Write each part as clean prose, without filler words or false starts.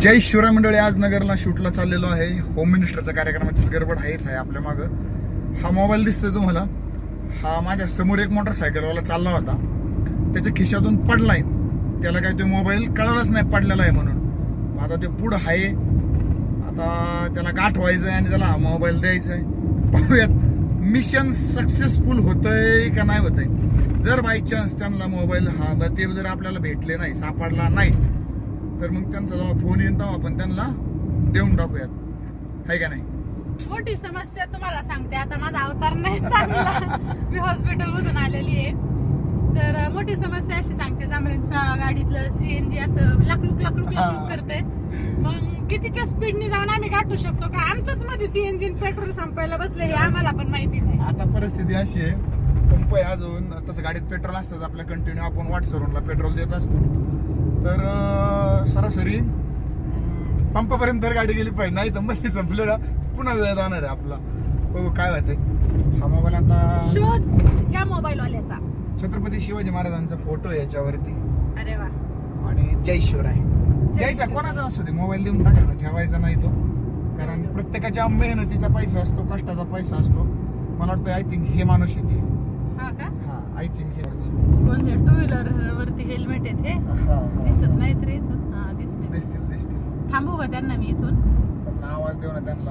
जय शिवराय मंडळी. आज नगरला शूटला चाललेलो आहे. होम मिनिस्टरच्या कार्यक्रमाची गडबड आहेच आहे आपल्या मागं. हा मोबाईल दिसतोय तुम्हाला, हा माझ्या समोर एक मोटरसायकलवाला चालला होता, त्याच्या खिशातून पडलाय. त्याला काय तो मोबाईल कळालाच नाही पडलेला आहे म्हणून. आता ते पुढं आहे, आता त्याला गाठ व्हायचं आहे आणि त्याला हा मोबाईल द्यायचा आहे. पाहूयात मिशन सक्सेसफुल होतंय का नाही होतंय. जर बाय चान्स त्यांना मोबाईल ते जर आपल्याला भेटले नाही, सापडला नाही, तर मग त्यांचा जेव्हा फोन येईल तेव्हा आपण त्यांना देऊन टाकूयात, आहे का नाही. छोटी समस्या तुम्हाला सांगते. आता माझा अवतार नाही चांगला, मी हॉस्पिटल मधून आलेली आहे. तर मोठी समस्या अशी सांगते, जांभळ्यांच्या गाडीतलं सीएनजी असं लाकलूक करते. मग कितीच्या स्पीडने जाऊन आम्ही गाठू शकतो का? आमचंच मध्ये सीएनजी पेट्रोल संपायला बसले हे आम्हाला पण माहिती नाही. आता परिस्थिती अशी आहे, पंप आहे अजून, तसं गाडीत पेट्रोल असतं आपल्या कंटिन्यू, आपण वाटसरूनला पेट्रोल देत असतो. तर सरासरी पंपापर्यंत तर गाडी गेली पाहिजे, नाही तर मग संपलेला पुन्हा वेळ जाणार आहे आपला. बघू काय होतंय. हा मोबाईल आता शोध या मोबाईल वाल्याचा. छत्रपती शिवाजी महाराजांचा फोटो आहे याच्यावरती. अरे वा. आणि जय शिवराय द्यायचा कोणाचा असतो ते, मोबाईल देऊन टाकायचा, ठेवायचा नाही तो. कारण प्रत्येकाच्या मेहनतीचा पैसा असतो, कष्टाचा पैसा असतो. मला वाटतं आय थिंक हे माणूस येते. हा का? हा, आय थिंक हे कोण हे? टू व्हीलर वरती हेल्मेट आहेत हे दिसत नाहीत रे इथून. हा दिसतील दिसतील. थांबू का त्यांना मी इथून? त्यांना आवाज देऊ ना त्यांना.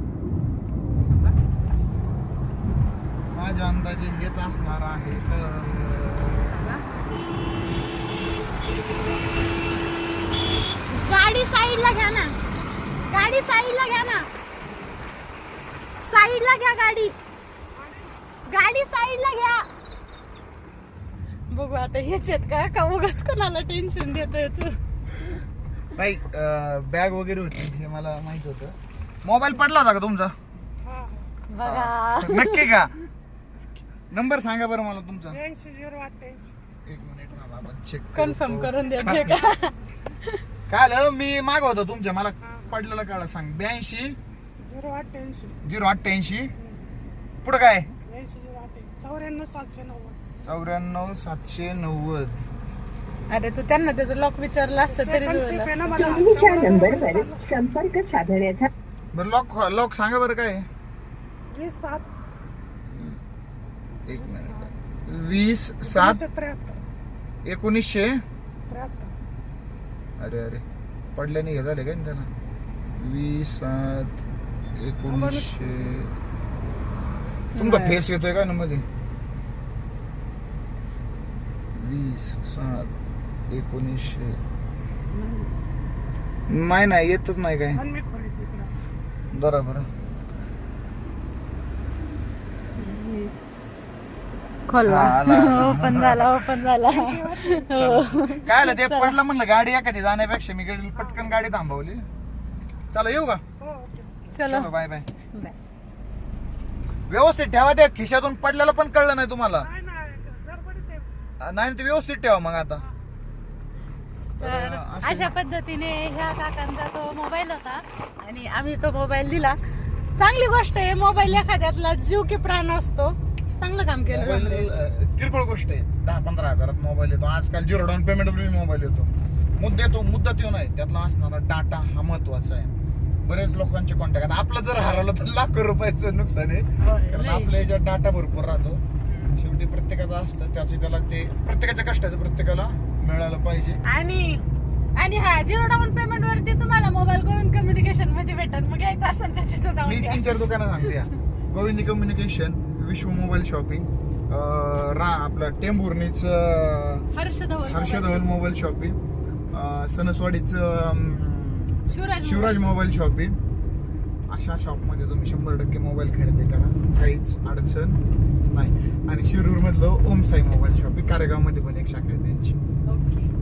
माझ्या अंदाजे हेच असणार आहे. गाडी साईडला घ्या ना, गाडी साईडला घ्या ना, साईडला घ्या गाडी, गाडी साईडला घ्या. बघू आता हेच आहेत का उगाच कोणाला टेन्शन देतोय तू? नाही, बॅग वगैरे होती हे मला माहित होतं. मोबाईल पडला होता का तुमचा? बघा. नक्की का? नंबर सांगा बरं मला तुमचा. 80-088. एक मिनिट थांबा, आपण चेक कन्फर्म करून द्यायचे का? काय झालं, मी मागवतो तुमच्या, मला पडलेलं काढा सांग. 82-088. पुढं काय? 94-790. अरे तू त्यांना त्याचं लॉक विचारलं असतं तरी तुम्हीच्या नंबरवर संपर्क साधण्याचा. बरं लॉक सांगा बरं काय. 1 मिनिट. 20-7-1900. अरे पडल्याने हे झाले काय त्याला. 20-7-1900. तुमचा फेस येतोय का ना मध्ये? 20-7-1900. नाही येतच नाही काय. बरोबर. खोलला, ओपन झाला. काय आलं ते पडलं म्हणलं, गाडी एखादी जाण्यापेक्षा मी पटकन गाडी थांबवली. चला येऊ का? चलो बाय बाय. व्यवस्थित ठेवा, त्या खिशातून पडलेलं पण कळलं नाही तुम्हाला. नाही ते व्यवस्थित ठेवा मग. आता अशा पद्धतीने ह्या काकांचा तो मोबाईल होता आणि आम्ही तो मोबाईल दिला. चांगली गोष्ट आहे, मोबाईल एखाद्यातला जीव की प्राण असतो. चांगलं काम केलं. किरकोळ गोष्ट आहे. 10-15 हजारात मोबाईल येतो आजकाल. 0 डाऊन पेमेंट वर मोबाईल येतो. मुद्दा तो नाही, त्यातला असणारा डाटा हा महत्वाचा आहे. बरेच लोकांचे कॉन्टॅक्ट. आता आपलं जर हरवलं तर लाखो रुपयाचं नुकसान आहे, कारण आपल्या याच्यात डाटा भरपूर राहतो. शेवटी प्रत्येकाचं असतं, त्याला ते प्रत्येकाच्या कष्टाचं प्रत्येकाला मिळालं पाहिजे. आणि हा 0 डाऊन पेमेंट वरती तुम्हाला मोबाईल गोविंद कम्युनिकेशन मध्ये भेटेल. मग घ्यायचं असेल तर तिथं जाऊन मी घ्या. 3-4 दुकानं सांगते. Govind communication, Vishwa mobile shopping, आपलं टेंभुर्णीच हर्षधवल मोबाईल शॉपिंग, सणसवाडीचं शिवराज मोबाईल शॉपिंग. अशा शॉपमध्ये तुम्ही 100% मोबाईल खरेदी करा, काहीच अडचण नाही. आणि शिरूर मधलं ओम साई मोबाईल शॉपिंग, कारेगाव मध्ये पण एक शाखा आहे त्यांची. ओके.